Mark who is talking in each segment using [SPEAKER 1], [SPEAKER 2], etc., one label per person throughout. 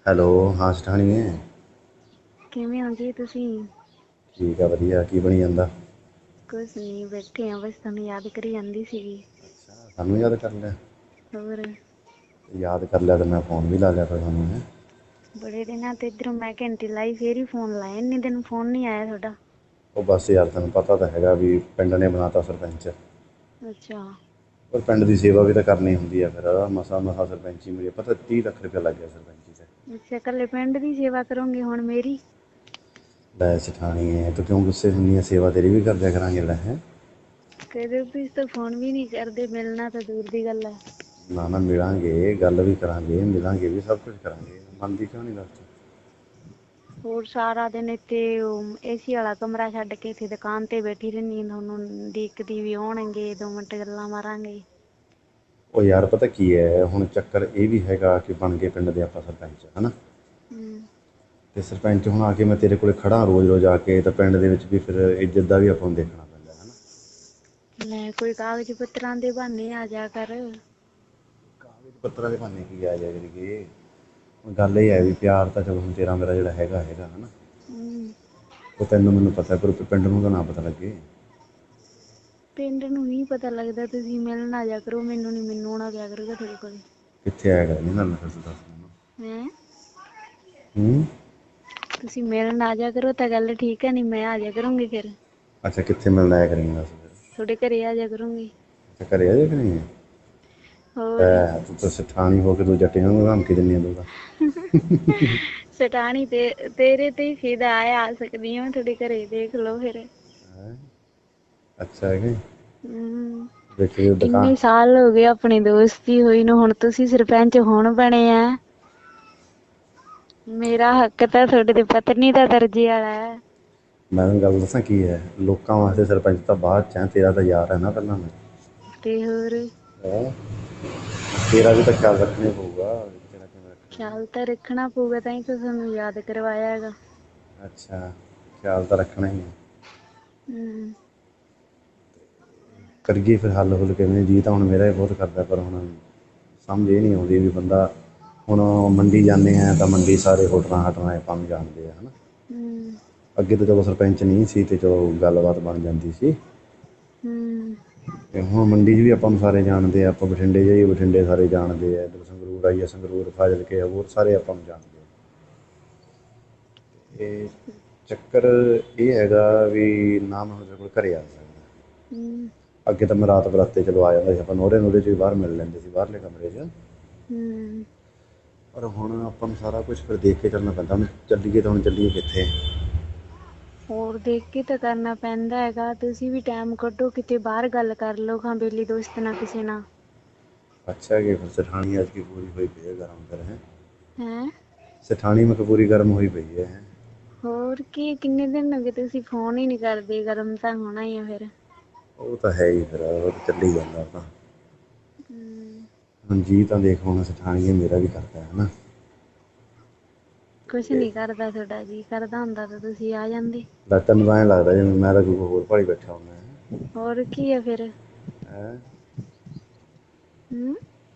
[SPEAKER 1] Hello, ਹਾਂ ਸਠਾਣੀਏ।
[SPEAKER 2] ਕਿਵੇਂ ਹੋ ਜੀ ਤੁਸੀਂ?
[SPEAKER 1] ਠੀਕ ਆ, ਵਧੀਆ। ਕੀ ਬਣੀ ਜਾਂਦਾ?
[SPEAKER 2] ਕੁਛ ਨੀ, ਬੈਠੇ ਆ ਬਸ ਤੁਹਾਨੂੰ ਯਾਦ ਕਰੀ ਜਾਂਦੀ ਸੀਗੀ।
[SPEAKER 1] ਸਾਨੂੰ ਯਾਦ ਕਰ ਲਿਆ?
[SPEAKER 2] ਹੋਰ?
[SPEAKER 1] ਯਾਦ ਕਰ ਲਿਆ ਤੇ ਮੈਂ ਫ਼ੋਨ ਵੀ ਲਾ ਲਿਆ ਫਿਰ ਤੁਹਾਨੂੰ, ਹੈਂ।
[SPEAKER 2] ਬੜੇ ਦਿਨਾਂ ਤੋਂ ਇੱਧਰੋਂ ਮੈਂ ਘੰਟੀ ਲਾਈ ਫੇਰ ਹੀ ਫੋਨ ਲਾਇਆ, ਇੰਨੇ ਦਿਨ ਫੋਨ ਨੀ ਆਇਆ ਤੁਹਾਡਾ।
[SPEAKER 1] ਉਹ ਬਸ ਯਾਰ ਤੈਨੂੰ ਪਤਾ ਤਾਂ ਹੈਗਾ ਵੀ ਪਿੰਡ ਨੇ ਬਣਾ ਤਾ ਸਰਪੰਚ।
[SPEAKER 2] ਅੱਛਾ।
[SPEAKER 1] ਪਰ ਪਿੰਡ ਦੀ ਸੇਵਾ ਵੀ ਤਾਂ ਕਰਨੀ ਹੁੰਦੀ ਆ ਫਿਰ ਮਸਾਂ ਸਰਪੰਚੀ ਮਿਲੀ, ਪਤਾ 30 ਲੱਖ ਰੁਪਇਆ ਲੱਗ ਗਿਆ ਸਰਪੰਚੀ 'ਚ।
[SPEAKER 2] ਅੱਛਾ, ਇਕੱਲੇ ਪਿੰਡ ਦੀ ਸੇਵਾ ਕਰੋਗੇ ਹੁਣ ਮੇਰੀ?
[SPEAKER 1] ਲੈ ਸਿਠਾਣੀਏ ਤੂੰ ਕਿਉਂ ਗੁੱਸੇ ਹੁੰਦੀ ਆ, ਸੇਵਾ ਤੇਰੀ ਵੀ ਕਰ ਦਿਆ ਕਰਾਂਗੇ ਲੈ ਹੈਂ।
[SPEAKER 2] ਕਦੇ ਤੁਸੀਂ ਤਾਂ ਫੋਨ ਵੀ ਨੀ ਕਰਦੇ, ਮਿਲਣਾ ਤਾਂ ਦੂਰ ਦੀ ਗੱਲ ਹੈ।
[SPEAKER 1] ਨਾ ਨਾ ਮਿਲਾਂਗੇ, ਗੱਲ ਵੀ ਕਰਾਂਗੇ, ਮਿਲਾਂਗੇ ਵੀ, ਸਭ ਕੁਛ ਕਰਾਂਗੇ, ਮੰਨਦੀ ਕਿਉਂ ਨਹੀਂ ਦੱਸ ਤੂੰ।
[SPEAKER 2] ਹੋਰ ਸਾਰਾ ਦਿਨ ਇੱਥੇ ਏਸੀ ਵਾਲਾ ਕਮਰਾ ਛੱਡ ਕੇ ਇੱਥੇ ਦੁਕਾਨ ਤੇ ਬੈਠੀ ਰਹਿੰਦੀ, ਤੁਹਾਨੂੰ ਉਡੀਕਦੀ ਵੀ ਆਉਣਗੇ 2 ਮਿੰਟ ਗੱਲਾਂ ਮਾਰਾਂਗੇ।
[SPEAKER 1] ਉਹ ਯਾਰ ਪਤਾ ਕੀ ਹੈ, ਹੁਣ ਚੱਕਰ ਇਹ ਵੀ ਹੈਗਾ ਕਿ ਬਣ ਗਏ ਪਿੰਡ ਦੇ ਆਪਾਂ ਸਰਪੰਚ, ਹੈ ਨਾ।
[SPEAKER 2] ਹੂੰ।
[SPEAKER 1] ਅਤੇ ਸਰਪੰਚ ਹੁਣ ਆ ਕੇ ਮੈਂ ਤੇਰੇ ਕੋਲ ਖੜ੍ਹਾ ਰੋਜ਼ ਰੋਜ਼ ਆ ਕੇ, ਤਾਂ ਪਿੰਡ ਦੇ ਵਿੱਚ ਵੀ ਫਿਰ ਇੱਜ਼ਤ ਦਾ ਵੀ ਆਪਾਂ ਨੂੰ ਦੇਖਣਾ ਪੈਂਦਾ ਹੈ ਨਾ।
[SPEAKER 2] ਲੈ ਕੋਈ ਕਾਗਜ਼ ਪੱਤਰਾਂ ਦੇ ਬਹਾਨੇ ਆ ਜਾ ਕਰ।
[SPEAKER 1] ਕਾਗਜ਼ ਪੱਤਰਾਂ ਦੇ ਬਹਾਨੇ ਕੀ ਆ ਜਾਇਆ ਕਰੀਏ, ਹੁਣ ਗੱਲ ਇਹ ਹੈ ਵੀ ਪਿਆਰ ਤਾਂ ਚਲੋ ਹੁਣ ਤੇਰਾ ਮੇਰਾ ਜਿਹੜਾ ਹੈਗਾ ਹੈ ਨਾ।
[SPEAKER 2] ਹੂੰ।
[SPEAKER 1] ਉਹ ਤੈਨੂੰ ਮੈਨੂੰ ਪਤਾ, ਪਰ ਪਿੰਡ ਨੂੰ ਤਾਂ ਨਾ ਪਤਾ ਲੱਗੇ।
[SPEAKER 2] ਪਿੰਡ ਨੂੰ ਨੀ ਪਤਾ ਲੱਗਦਾ, ਤੁਸੀਂ ਮਿਲਣ ਆ ਜਾਇਆ ਕਰੋ ਮੈਨੂੰ, ਨੀ ਮੈਨੂੰ ਆਉਣਾ ਪਿਆ ਕਰੂਗਾ ਤੁਹਾਡੇ ਕੋਲ।
[SPEAKER 1] ਕਿੱਥੇ ਆਇਆ ਕਰਾਂਗੇ ਮਿਲਣ ਫਿਰ ਤੂੰ ਦੱਸ ਮੈਨੂੰ।
[SPEAKER 2] ਹੈਂ?
[SPEAKER 1] ਹੂੰ।
[SPEAKER 2] ਤੁਸੀਂ ਮਿਲਣ ਆ ਜਾਇਆ ਕਰੋ ਤਾਂ ਗੱਲ ਠੀਕ ਹੈ, ਨੀ ਮੈਂ ਆ ਜਾਇਆ ਕਰੂੰਗੀ ਫਿਰ।
[SPEAKER 1] ਅੱਛਾ, ਕਿੱਥੇ ਮਿਲਣ ਆਇਆ ਕਰੇਂਗੀ ਦੱਸ ਫਿਰ?
[SPEAKER 2] ਤੁਹਾਡੇ ਘਰੇ ਆ ਜਾਇਆ ਕਰੂੰਗੀ।
[SPEAKER 1] ਅੱਛਾ, ਘਰੇ ਆ ਜਾਇਆ ਕਰੇਂਗੀ?
[SPEAKER 2] ਹੋਰ
[SPEAKER 1] ਲੈ ਤੂੰ ਤਾਂ ਸਠਾਣੀ ਹੋ ਕੇ ਤੂੰ ਜੱਟੇ ਵਾਂਗੂ ਧਮਕੀ ਦਿੰਦੀ ਆ ਤੂੰ ਤਾਂ।
[SPEAKER 2] ਸਟਾਣੀ ਤੇ ਤੇਰੇ ਤੇ ਹੀ ਫਿਦਾ ਆ ਸਕਦੀ ਹਾਂ ਮੈਂ ਤੁਹਾਡੇ ਘਰੇ, ਦੇਖ ਲੋ ਫਿਰ।
[SPEAKER 1] ਹੈਂ? ਅੱਛਾ ਕਿ?
[SPEAKER 2] ਹੂੰ,
[SPEAKER 1] ਦੇਖੀ ਉਹ ਦੁਕਾਨ
[SPEAKER 2] ਕਿੰਨੇ ਸਾਲ ਹੋ ਗਏ ਆਪਣੀ ਦੋਸਤੀ ਹੋਈ ਨੂੰ, ਹੁਣ ਤੁਸੀਂ ਸਰਪੰਚ ਹੁਣ ਬਣੇ ਆ। ਮੇਰਾ ਹੱਕ ਤਾਂ ਤੁਹਾਡੇ ਤੇ ਪਤਨੀ ਦਾ ਦਰਜੇ ਵਾਲਾ ਹੈ।
[SPEAKER 1] ਮੈਂ ਤੈਨੂੰ ਗੱਲ ਦੱਸਾਂ ਕੀ ਹੈ, ਲੋਕਾਂ ਵਾਸਤੇ ਸਰਪੰਚ ਤਾਂ ਬਾਅਦ 'ਚ ਹੈ, ਤੇਰਾ ਤਾਂ ਯਾਰ ਹੈ ਨਾ ਪਹਿਲਾਂ ਮੈਂ।
[SPEAKER 2] ਤੇ ਹੋਰ?
[SPEAKER 1] ਹੈਂ, ਤੇਰਾ ਵੀ ਤਾਂ ਖਿਆਲ ਰੱਖਣਾ ਹੀ ਪਊਗਾ। ਕਿਵੇਂ ਰੱਖਣਾ।
[SPEAKER 2] ਖਿਆਲ ਤਾਂ ਰੱਖਣਾ ਪਊਗਾ, ਤਾਂ ਹੀ ਤਾਂ ਤੁਹਾਨੂੰ ਯਾਦ ਕਰਵਾਇਆ ਹੈਗਾ।
[SPEAKER 1] ਅੱਛਾ, ਖਿਆਲ ਤਾਂ ਰੱਖਣਾ ਹੀ ਹੈ।
[SPEAKER 2] ਹੂੰ।
[SPEAKER 1] ਕਰੀਏ ਫਿਰ ਹੱਲ ਹੁੱਲ ਕਿਵੇਂ, ਜੀਅ ਤਾਂ ਹੁਣ ਮੇਰਾ ਹੀ ਬਹੁਤ ਕਰਦਾ, ਪਰ ਹੁਣ ਸਮਝ ਇਹ ਨਹੀਂ ਆਉਂਦੀ ਵੀ ਬੰਦਾ ਹੁਣ ਮੰਡੀ ਜਾਂਦੇ ਹਾਂ ਤਾਂ ਮੰਡੀ ਸਾਰੇ ਹੋਟਲਾਂ ਹਾਟਲਾਂ ਆਪਾਂ ਨੂੰ ਜਾਣਦੇ ਆ ਹੈ ਨਾ।
[SPEAKER 2] ਹੂੰ।
[SPEAKER 1] ਅੱਗੇ ਤਾਂ ਚਲੋ ਸਰਪੰਚ ਨਹੀਂ ਸੀ ਅਤੇ ਚਲੋ ਗੱਲਬਾਤ ਬਣ ਜਾਂਦੀ ਸੀ।
[SPEAKER 2] ਹੂੰ।
[SPEAKER 1] ਅਤੇ ਹੁਣ ਮੰਡੀ 'ਚ ਵੀ ਆਪਾਂ ਨੂੰ ਸਾਰੇ ਜਾਣਦੇ ਆ, ਆਪਾਂ ਬਠਿੰਡੇ ਜਾਈਏ ਬਠਿੰਡੇ ਸਾਰੇ ਜਾਣਦੇ ਆ, ਇੱਧਰ ਸੰਗਰੂਰ ਆਈਏ ਸੰਗਰੂਰ ਫਾਜ਼ਿਲਕੇ ਹੋਰ ਸਾਰੇ ਆਪਾਂ ਨੂੰ ਜਾਣਦੇ ਆ। ਇਹ ਚੱਕਰ ਇਹ ਹੈਗਾ ਵੀ ਨਾ ਮੈਂ ਤੁਹਾਡੇ ਕੋਲ ਘਰੇ ਆ ਸਕਦਾ।
[SPEAKER 2] ਹੂੰ।
[SPEAKER 1] ਅੱਗੇ ਤਾਂ ਮੈਂ ਰਾਤ ਬਰਾਤੇ ਚਲੋ ਆ ਜਾਂਦਾ ਸੀ, ਆਪਾਂ ਨੋਰੇ ਨੂਰੇ 'ਚ ਵੀ ਬਾਹਰ ਮਿਲ ਲੈਂਦੇ ਸੀ ਬਾਹਰਲੇ ਕਮਰੇ 'ਚ।
[SPEAKER 2] ਹੂੰ।
[SPEAKER 1] ਪਰ ਹੁਣ ਆਪਾਂ ਨੂੰ ਸਾਰਾ ਕੁਛ ਫਿਰ ਦੇਖ ਕੇ ਚੱਲਣਾ ਪੈਂਦਾ, ਹੁਣ ਚੱਲੀਏ ਤਾਂ ਹੁਣ ਚੱਲੀਏ ਕਿੱਥੇ।
[SPEAKER 2] ਹੋਰ ਦੇਖ ਕੇ ਤਾਂ ਕਰਨਾ ਪੈਂਦਾ ਹੈਗਾ, ਤੁਸੀਂ ਵੀ ਟਾਈਮ ਕੱਢੋ ਕਿਤੇ ਬਾਹਰ ਗੱਲ ਕਰ ਲਓ ਖਾਂ ਬੇਲੀ ਦੋਸਤ ਨਾਲ ਕਿਸੇ ਨਾਲ।
[SPEAKER 1] ਅੱਛਾ ਕਿ ਫਿਰ ਸਠਾਣੀ ਅੱਜ ਕੀ ਪੂਰੀ ਹੋਈ ਪਈ ਹੈ ਗਰਮ ਫਿਰ ਹੈਂ।
[SPEAKER 2] ਹੈਂ?
[SPEAKER 1] ਸਠਾਣੀ ਮੈਂ ਕਿਹਾ ਪੂਰੀ ਗਰਮ ਹੋਈ ਪਈ ਹੈ।
[SPEAKER 2] ਹੋਰ ਕੀ, ਕਿੰਨੇ ਦਿਨ ਹੋ ਗਏ ਤੁਸੀਂ ਫੋਨ ਹੀ ਨੀ ਕਰਦੇ, ਗਰਮ ਤਾਂ ਹੋਣਾ ਹੀ ਆ ਫਿਰ।
[SPEAKER 1] ਉਹ ਤਾਂ ਹੈ ਹੀ ਫਿਰ, ਉਹ ਤਾਂ ਚੱਲੀ ਜਾਂਦਾ ਤਾਂ।
[SPEAKER 2] ਹੂੰ।
[SPEAKER 1] ਹੁਣ ਜੀਅ ਤਾਂ ਦੇਖ ਹੁਣ ਸਠਾਣੀਏ ਮੇਰਾ ਵੀ ਕਰਦਾ ਹੈ ਨਾ।
[SPEAKER 2] ਕੁਛ
[SPEAKER 1] ਤੇ
[SPEAKER 2] ਨੀ ਕਰਦਾ ਤੁਹਾਡਾ ਜੀਅ, ਕਰਦਾ ਹੁੰਦਾ ਤਾਂ ਤੁਸੀਂ ਆ ਜਾਂਦੇ।
[SPEAKER 1] ਲੈ ਤੈਨੂੰ ਤਾਂ ਐਂ ਲੱਗਦਾ ਜਿਵੇਂ ਮੈਂ ਤਾਂ ਕੋਈ ਹੋਰ ਭਾਲੀ ਬੈਠਾ ਹੁੰਦਾ।
[SPEAKER 2] ਹੋਰ ਕੀ ਆ ਫਿਰ।
[SPEAKER 1] ਹੈਂ?
[SPEAKER 2] ਹੂੰ।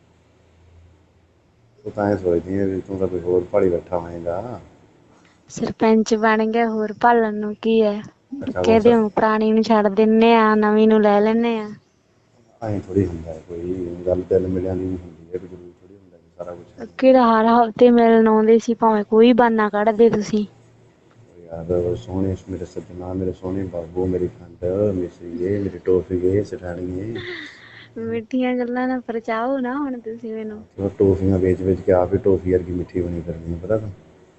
[SPEAKER 1] ਤੂੰ ਤਾਂ ਐਂ ਸੋਚਦੀ ਹੈ ਵੀ ਤੂੰ ਤਾਂ ਕੋਈ ਹੋਰ ਭਾਲੀ ਬੈਠਾ ਹੋਏਗਾ।
[SPEAKER 2] ਸਰਪੰਚ ਬਣ ਗਿਆ, ਹੋਰ ਭਾਲਣ ਨੂੰ ਕੀ ਹੈ,
[SPEAKER 1] ਅੱਛਾ ਹੋਰ
[SPEAKER 2] ਕਹਿ ਦਿਓ ਪੁਰਾਣੀ ਨੂੰ ਛੱਡ ਦਿੰਦੇ ਆ, ਨਵੀਂ ਨੂੰ ਲੈ ਲੈਂਦੇ ਆ।
[SPEAKER 1] ਐਂ ਥੋੜ੍ਹੀ ਹੁੰਦਾ ਕੋਈ ਗੱਲ, ਦਿਲ ਮਿਲਿਆਂ ਦੀ ਵੀ ਹੁੰਦੀ ਹੈ, ਜ਼ਰੂਰੀ ਥੋੜ੍ਹੀ ਹੁੰਦਾ ਸਾਰਾ ਕੁਛ ਹੈ ਹੀ।
[SPEAKER 2] ਕਿਹੜਾ ਹਰ ਹਫ਼ਤੇ ਮਿਲਣ ਆਉਂਦੇ ਸੀ, ਭਾਵੇਂ ਕੋਈ ਬਹਾਨਾ ਕੱਢਦੇ ਤੁਸੀਂ।
[SPEAKER 1] ਯਾਰ ਸੋਹਣੇ ਮੇਰੇ ਸੱਜਣਾ, ਮੇਰੇ ਸੋਹਣੇ ਬਾਬੂ, ਮੇਰੀ ਖੰਡ ਮਿਸਰੀਏ, ਮੇਰੀ ਟੋਫੀਏ, ਸਠਾਣੀਏ।
[SPEAKER 2] ਮਿੱਠੀਆਂ ਗੱਲਾਂ ਨਾਲ ਪਰਚਾਓ ਨਾ ਹੁਣ ਤੁਸੀਂ ਮੈਨੂੰ।
[SPEAKER 1] ਉਹ ਟੋਫੀਆਂ ਵੇਚ ਵੇਚ ਕੇ ਆਪ ਹੀ ਟੋਫੀ ਵਰਗੀ ਮਿੱਠੀ ਬਣੀ ਫਿਰਦੀ ਹੈ ਪਤਾ ਤੈਨੂੰ।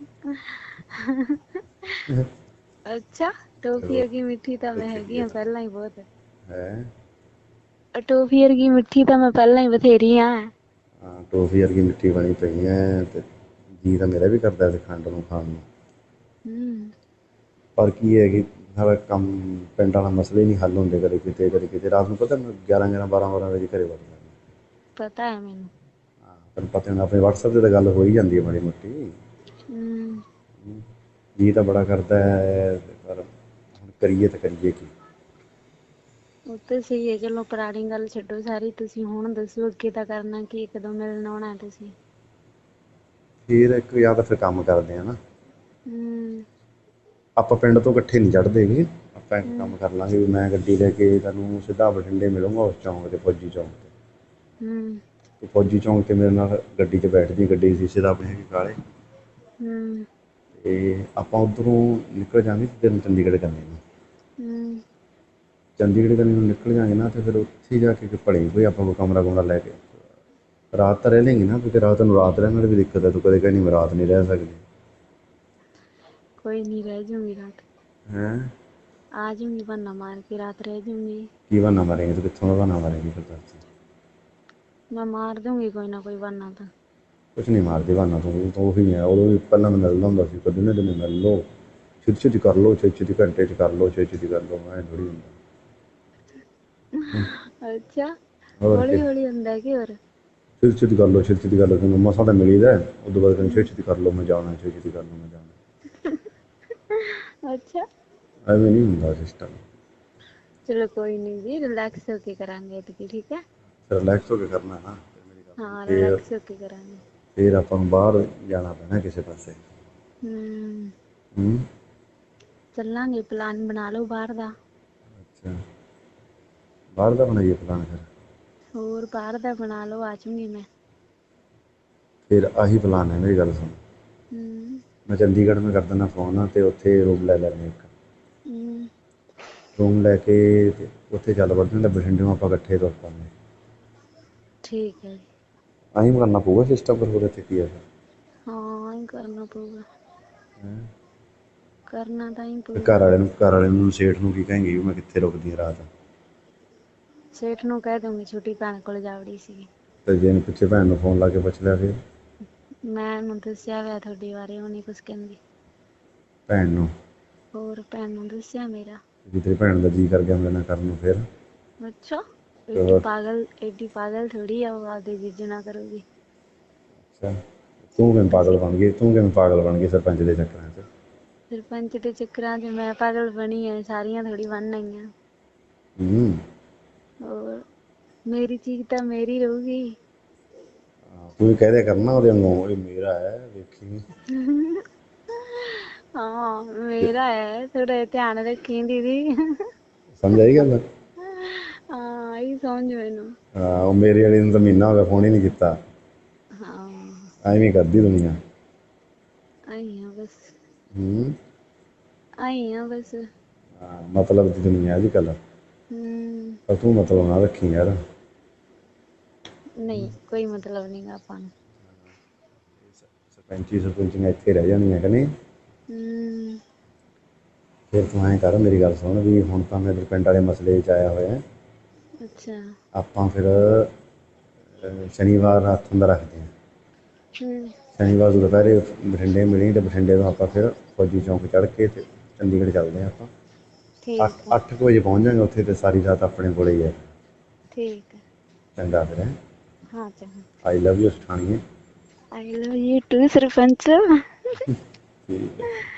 [SPEAKER 2] ਅੱਛਾ, ਟੋਫੀ
[SPEAKER 1] ਤੈਨੂੰ
[SPEAKER 2] ਵਰਗੀ ਮਿੱਠੀ ਤਾਂ
[SPEAKER 1] ਤੇ
[SPEAKER 2] ਮੈਂ ਹੈਗੀ
[SPEAKER 1] ਚੱਲੀਏ
[SPEAKER 2] ਆ
[SPEAKER 1] ਤਾਂ
[SPEAKER 2] ਪਹਿਲਾਂ ਹੀ ਬਹੁਤ।
[SPEAKER 1] ਹੈ।
[SPEAKER 2] ਟੋਫੀ ਵਰਗੀ ਮਿੱਠੀ ਤਾਂ ਮੈਂ ਪਹਿਲਾਂ ਹੀ ਬਥੇਰੀ ਆ।
[SPEAKER 1] ਹਾਂ ਟੋਫੀ ਵਰਗੀ ਮਿੱਠੀ ਬਣੀ ਪਈ ਹੈ, ਅਤੇ ਜੀਅ ਤਾਂ ਮੇਰਾ ਵੀ ਕਰਦਾ ਖੰਡ ਨੂੰ ਖਾਣ ਨੂੰ।
[SPEAKER 2] ਹੂੰ।
[SPEAKER 1] ਪਰ ਕੀ ਹੈ ਕਿ ਸਾਰਾ ਕੰਮ ਪਿੰਡ ਵਾਲਾ ਮਸਲੇ ਨਹੀਂ ਹੱਲ ਹੁੰਦੇ, ਕਦੇ ਕਿਤੇ ਕਦੇ ਕਿਤੇ, ਰਾਤ ਨੂੰ ਪਤਾ 11 ਬਾਰਾਂ ਵਜੇ ਘਰੇ ਵੜ ਜਾਂਦਾ।
[SPEAKER 2] ਪਤਾ ਹੈ ਮੈਨੂੰ।
[SPEAKER 1] ਤੈਨੂੰ ਪਤਾ ਹੋਣਾ ਆਪਣੇ ਵਟਸਐਪ 'ਤੇ ਤਾਂ ਗੱਲ ਹੋ ਹੀ ਜਾਂਦੀ ਹੈ ਮਾੜੀ ਮੋਟੀ।
[SPEAKER 2] ਹੂੰ।
[SPEAKER 1] ਜੀਅ ਤਾਂ ਬੜਾ ਕਰਦਾ ਹੈ, ਪਰ ਹੁਣ ਕਰੀਏ ਤਾਂ ਕਰੀਏ ਕੀ।
[SPEAKER 2] ਉਹ ਤਾਂ ਸਹੀ ਹੈ, ਚਲੋ ਪੁਰਾਣੀ ਗੱਲ ਛੱਡੋ ਸਾਰੀ, ਤੁਸੀਂ ਹੁਣ ਦੱਸੋ ਅੱਗੇ ਤਾਂ ਕਰਨਾ ਕੀ, ਕਦੋਂ ਮਿਲਣ ਆਉਣਾ ਤੁਸੀਂ।
[SPEAKER 1] ਫਿਰ ਇੱਕ ਜਾਂ ਤਾਂ ਫਿਰ ਕੰਮ ਕਰਦੇ ਆ ਨਾ,
[SPEAKER 2] ਹੂੰ
[SPEAKER 1] ਆਪਾਂ ਪਿੰਡ ਤੋਂ ਇਕੱਠੇ ਨਹੀਂ ਚੜ੍ਹਦੇ ਗੇ, ਆਪਾਂ ਇੱਕ ਕੰਮ
[SPEAKER 2] ਹੂੰ
[SPEAKER 1] ਕਰ ਲਾਂਗੇ ਵੀ ਮੈਂ ਗੱਡੀ ਲੈ ਕੇ ਤੈਨੂੰ ਸਿੱਧਾ ਬਠਿੰਡੇ ਮਿਲੂੰਗਾ ਉਸ ਚੌਂਕ 'ਤੇ, ਫੌਜੀ ਚੌਂਕ 'ਤੇ।
[SPEAKER 2] ਹੂੰ
[SPEAKER 1] ਤੂੰ ਫੌਜੀ ਚੌਂਕ 'ਤੇ ਮੇਰੇ ਨਾਲ ਗੱਡੀ 'ਚ ਬੈਠ ਜੀ, ਗੱਡੀ ਦੀ ਸ਼ੀਸ਼ੇ ਤਾਂ ਆਪਣੇ ਹੈਗੇ ਕਾਲੇ,
[SPEAKER 2] ਹੂੰ
[SPEAKER 1] ਅਤੇ ਆਪਾਂ ਉੱਧਰੋਂ ਨਿਕਲ ਜਾਂਗੇ ਸਿੱਧੇ ਨੂੰ ਚੰਡੀਗੜ੍ਹ ਕੰਨੀ ਨੂੰ।
[SPEAKER 2] ਹੂੰ
[SPEAKER 1] ਚੰਡੀਗੜ੍ਹ ਕੰਨੀ ਨੂੰ ਨਿਕਲ ਜਾਂਗੇ ਨਾ, ਅਤੇ ਫਿਰ ਉੱਥੇ ਜਾ ਕੇ ਭਲੇ ਕੋਈ ਆਪਾਂ ਕੋਈ ਕਮਰਾ ਕੁਮਰਾ ਲੈ ਕੇ ਰਾਤ ਤਾਂ ਰਹਿ ਲੈਂਗੇ ਨਾ, ਕਿਉਂਕਿ ਰਾਤ ਨੂੰ ਰਾਤ ਰਹਿਣ ਦੀ ਵੀ ਦਿੱਕਤ ਹੈ, ਤੂੰ ਕਦੇ ਕਹਿੰਦੀ ਮੈਂ ਰਾਤ ਨਹੀਂ ਰਹਿ ਸਕਦੀ।
[SPEAKER 2] ਕੋਈ ਨਹੀਂ, ਰਹਿ ਜੂੰਗੀ ਰਾਤ।
[SPEAKER 1] ਹੈਂ?
[SPEAKER 2] ਆ ਜੂੰਗੀ ਬਹਾਨਾ ਮਾਰ ਕੇ, ਰਾਤ ਰਹਿ ਜੂੰਗੀ।
[SPEAKER 1] ਕੀ ਬਹਾਨਾ ਮਾਰੇਂਗੀ ਤੂੰ, ਕਿੱਥੋਂ ਦਾ ਬਹਾਨਾ ਮਾਰੇਂਗੀ ਫਿਰ ਦੱਸ?
[SPEAKER 2] ਮੈਂ ਮਾਰ ਦੂੰਗੀ ਕੋਈ ਨਾ ਕੋਈ ਬਹਾਨਾ ਤਾਂ।
[SPEAKER 1] ਕੁਛ ਨਹੀਂ ਮਾਰਦੀ ਬਹਾਨਾ ਤੂੰ ਉਹੀ ਹੈ, ਉਦੋਂ ਵੀ ਪਹਿਲਾਂ ਮੈਂ ਮਿਲਦਾ ਹੁੰਦਾ ਸੀ, ਦਿਨੇ ਦਿਨੇ ਮਿਲ ਲਓ, ਛੇਤੀ ਛੇਤੀ ਕਰ ਲਓ, ਛੇਤੀ ਛੇਤੀ ਘੰਟੇ 'ਚ ਕਰ ਲਓ, ਛੇਤੀ ਛੇਤੀ ਕਰ ਲਓ, ਐਂ ਥੋੜ੍ਹੀ ਹੁੰਦਾ।
[SPEAKER 2] ਅੱਛਾ,
[SPEAKER 1] ਹੋਰ ਕੀ,
[SPEAKER 2] ਹੌਲੀ ਹੌਲੀ ਹੁੰਦਾ ਕਿ ਹੋਰ?
[SPEAKER 1] ਛੇਤੀ ਛੇਤੀ ਕਰ ਲਓ, ਛੇਤੀ ਛੇਤੀ ਕਰ ਲਓ, ਤੈਨੂੰ ਮਸਾਂ ਤਾਂ ਮਿਲੀ ਦਾ, ਉਦੋਂ ਬਾਅਦ ਕਹਿੰਦੇ ਛੇਤੀ ਛੇਤੀ ਕਰ ਲਓ, ਮੈਂ ਜਾਣਾ, ਛੇਤੀ ਛੇਤੀ ਕਰ ਲਓ, ਮੈਂ ਜਾਣਾ।
[SPEAKER 2] ਅੱਛਾ,
[SPEAKER 1] ਐਵੇਂ ਨਹੀਂ ਹੁੰਦਾ ਸਿਸਟਮ।
[SPEAKER 2] ਚਲੋ ਕੋਈ ਨਹੀਂ ਜੀ, ਰਿਲੈਕਸ ਹੋ ਕੇ ਕਰਾਂਗੇ ਐਤਕੀ, ਠੀਕ ਹੈ?
[SPEAKER 1] ਰਿਲੈਕਸ ਹੋ ਕੇ ਕਰਨਾ ਹੈ ਨਾ, ਫਿਰ ਮੇਰੀ ਗੱਲ ਸੁਣ,
[SPEAKER 2] ਹਾਂ,
[SPEAKER 1] ਫਿਰ
[SPEAKER 2] ਰਿਲੈਕਸ ਹੋ ਕੇ ਕਰਾਂਗੇ।
[SPEAKER 1] ਫਿਰ ਆਪਾਂ ਨੂੰ ਬਾਹਰ ਜਾਣਾ ਪੈਣਾ ਕਿਸੇ ਪਾਸੇ।
[SPEAKER 2] ਹੂੰ
[SPEAKER 1] ਹੂੰ।
[SPEAKER 2] ਚੱਲਾਂਗੇ, ਪਲਾਨ ਬਣਾ ਲਓ ਬਾਹਰ ਦਾ।
[SPEAKER 1] ਅੱਛਾ, ਬਾਹਰ ਦਾ ਬਣਾਈਏ ਪਲਾਨ ਫਿਰ?
[SPEAKER 2] ਹੋਰ ਬਾਹਰ ਦਾ ਬਣਾ ਲਓ, ਆ ਜਾਊਂਗੀ ਮੈਂ।
[SPEAKER 1] ਫਿਰ ਆਹੀ ਪਲਾਨ ਹੈ, ਮੇਰੀ ਗੱਲ ਸੁਣ,
[SPEAKER 2] ਹੂੰ
[SPEAKER 1] ਮੈਂ ਚੰਡੀਗੜ੍ਹ ਮੈਂ ਕਰ ਦਿੰਦਾ ਫੋਨ, ਅਤੇ ਉੱਥੇ ਰੂਮ ਲੈ ਲੈਂਦੇ ਇੱਕ।
[SPEAKER 2] ਹੂੰ
[SPEAKER 1] ਰੂਮ ਲੈ ਕੇ ਅਤੇ ਉੱਥੇ ਚੱਲ ਵੜਦੇ ਹਾਂ, ਬਠਿੰਡਿਓਂ ਆਪਾਂ ਇਕੱਠੇ ਤੁਰ ਪਾਂਗੇ।
[SPEAKER 2] ਠੀਕ ਹੈ ਜੀ।
[SPEAKER 1] ਆਹੀ ਕਰਨਾ ਪਊਗਾ ਸਿਸਟਮ, ਫਿਰ ਹੋਰ ਇੱਥੇ ਕੀ ਹੈ।
[SPEAKER 2] ਹਾਂ, ਆਹੀ ਕਰਨਾ ਪਊਗਾ।
[SPEAKER 1] ਹੈਂ?
[SPEAKER 2] ਕਰਨਾ ਤਾਂ ਹੀ
[SPEAKER 1] ਤੇ
[SPEAKER 2] ਪਊਗਾ।
[SPEAKER 1] ਘਰ ਵਾਲੇ ਨੂੰ ਸੇਠ ਨੂੰ ਕੀ ਕਹੇਂਗੀ ਵੀ ਮੈਂ ਕਿੱਥੇ ਰੁਕਦੀ ਹਾਂ ਰਾਤ?
[SPEAKER 2] ਸੇਠ ਨੂੰ ਕਹਿ ਦੂੰਗੀ ਛੋਟੀ ਭੈਣ ਕੋਲ ਜਾ ਵੜੀ ਸੀ।
[SPEAKER 1] ਅਤੇ ਜੇ ਇਹਨੂੰ ਪਿੱਛੇ ਭੈਣ ਨੂੰ ਫੋਨ ਲਾ ਕੇ ਪੁੱਛ ਲਿਆ ਫਿਰ?
[SPEAKER 2] ਮੈਂ ਉਹਨੂੰ ਦੱਸਿਆ ਹੋਇਆ ਤੁਹਾਡੇ ਬਾਰੇ, ਉਹ ਨਹੀਂ ਕੁਛ ਕਹਿੰਦੀ।
[SPEAKER 1] ਭੈਣ ਨੂੰ?
[SPEAKER 2] ਹੋਰ, ਭੈਣ ਨੂੰ ਦੱਸਿਆ ਮੇਰਾ।
[SPEAKER 1] ਜੇ ਤੇਰੀ ਭੈਣ ਦਾ ਜੀਅ ਕਰ ਗਿਆ ਮੇਰੇ ਨਾਲ ਕਰਨ ਨੂੰ ਫਿਰ?
[SPEAKER 2] ਅੱਛਾ,
[SPEAKER 1] ਤੇ ਹੋਰ?
[SPEAKER 2] ਐਡੀ ਪਾਗਲ ਥੋੜੀ ਆ, ਉਹ ਆਪਦੇ ਜੀਜੇ ਨਾਲ ਕਰੂਗੀ।
[SPEAKER 1] ਅੱਛਾ, ਤੂੰ ਕਿਵੇਂ ਪਾਗਲ
[SPEAKER 2] ਅਸੀਂ
[SPEAKER 1] ਬਣ ਗਈ, ਤੂੰ ਕਿਵੇਂ ਪਾਗਲ ਬਣ ਗਈ ਸਰਪੰਚ ਦੇ ਚੱਕਰਾਂ 'ਚ?
[SPEAKER 2] ਸਰਪੰਚ ਦੇ ਚੱਕਰਾਂ 'ਚ ਮੈਂ ਪਾਗਲ ਬਣੀ ਆ, ਸਾਰੀਆਂ ਥੋੜ੍ਹੀ ਬਣ ਆਈਆਂ।
[SPEAKER 1] ਹੂੰ।
[SPEAKER 2] ਹੋਰ, ਮੇਰੀ ਚੀਜ਼ ਤਾਂ ਮੇਰੀ ਰਹੂਗੀ।
[SPEAKER 1] ਤੂੰ ਵੀ ਕਹਿ ਦਿਆ ਕਰ ਨਾ ਉਹਦੇ ਵਾਂਗੂ, ਇਹ ਮੇਰਾ ਹੈ ਵੇਖੀ।
[SPEAKER 2] ਹਾਂ, ਮੇਰਾ ਹੈ, ਥੋੜ੍ਹਾ ਧਿਆਨ ਰੱਖੀ ਦੀਦੀ।
[SPEAKER 1] ਸਮਝ ਆਈ ਗੱਲ?
[SPEAKER 2] ਹਾਂ, ਆਈ ਸਮਝ ਮੈਨੂੰ।
[SPEAKER 1] ਹਾਂ, ਉਹ ਮੇਰੇ ਵਾਲੀ ਨੂੰ ਤਾਂ ਮਹੀਨਾ ਹੋ ਗਿਆ, ਫੋਨ ਹੀ ਨਹੀਂ ਕੀਤਾ।
[SPEAKER 2] ਹਾਂ।
[SPEAKER 1] ਐਵੇਂ ਕਰਦੀ ਦੁਨੀਆ।
[SPEAKER 2] ਆਈ ਆ ਬਸ।
[SPEAKER 1] ਹੂੰ।
[SPEAKER 2] ਆਈ ਆ ਬਸ।
[SPEAKER 1] ਹਾਂ, ਮਤਲਬ ਦੀ ਦੁਨੀਆ ਅੱਜ ਕੱਲ੍ਹ।
[SPEAKER 2] ਹੂੰ।
[SPEAKER 1] ਪਰ ਤੂੰ ਮਤਲਬ ਨਾ ਰੱਖੀ ਯਾਰ।
[SPEAKER 2] ਨਹੀਂ, ਕੋਈ ਮਤਲਬ ਨਹੀਂ ਗਾ ਆਪਾਂ ਨੂੰ।
[SPEAKER 1] ਸਰਪੰਚੀ ਸਰਪੰਚੀਆਂ ਇੱਥੇ ਰਹਿ ਜਾਣੀਆਂ ਕਿ ਨਹੀਂ?
[SPEAKER 2] ਹੂੰ।
[SPEAKER 1] ਫਿਰ ਤੂੰ ਐਂ ਕਰ, ਮੇਰੀ ਗੱਲ ਸੁਣ, ਵੀ ਹੁਣ ਤਾਂ ਮੈਂ ਇੱਧਰ ਪਿੰਡ ਵਾਲੇ ਮਸਲੇ 'ਚ ਆਇਆ ਹੋਇਆ।
[SPEAKER 2] ਅੱਛਾ।
[SPEAKER 1] ਆਪਾਂ ਫਿਰ ਸ਼ਨੀਵਾਰ ਹੱਥ ਦਾ ਰੱਖਦੇ ਹਾਂ।
[SPEAKER 2] ਹੂੰ।
[SPEAKER 1] ਸ਼ਨੀਵਾਰ ਨੂੰ ਦੁਪਹਿਰੇ ਬਠਿੰਡੇ ਮਿਲੀ, ਅਤੇ ਬਠਿੰਡੇ ਤੋਂ ਆਪਾਂ ਫਿਰ ਫੌਜੀ ਚੌਂਕ ਚੜ੍ਹ ਕੇ ਅਤੇ ਚੰਡੀਗੜ੍ਹ ਚੱਲਦੇ ਹਾਂ ਆਪਾਂ।
[SPEAKER 2] ਠੀਕ ਹੈ।
[SPEAKER 1] 8 ਕੁ ਵਜੇ ਪਹੁੰਚ ਜਾਂਗੇ ਉੱਥੇ, ਅਤੇ ਸਾਰੀ ਰਾਤ ਆਪਣੇ ਕੋਲ ਹੀ ਹੈ।
[SPEAKER 2] ਠੀਕ ਹੈ।
[SPEAKER 1] ਚੰਗਾ ਫਿਰ ਹੈਂ।
[SPEAKER 2] ਹਾਂ ਚੰਗਾ।
[SPEAKER 1] ਆਈ ਲਵ ਯੂ ਸਠਾਣੀਏ।
[SPEAKER 2] ਆਈ ਲਵ ਯੂ ਟੂ ਸਰਪੰਚ।
[SPEAKER 1] ਠੀਕ ਹੈ।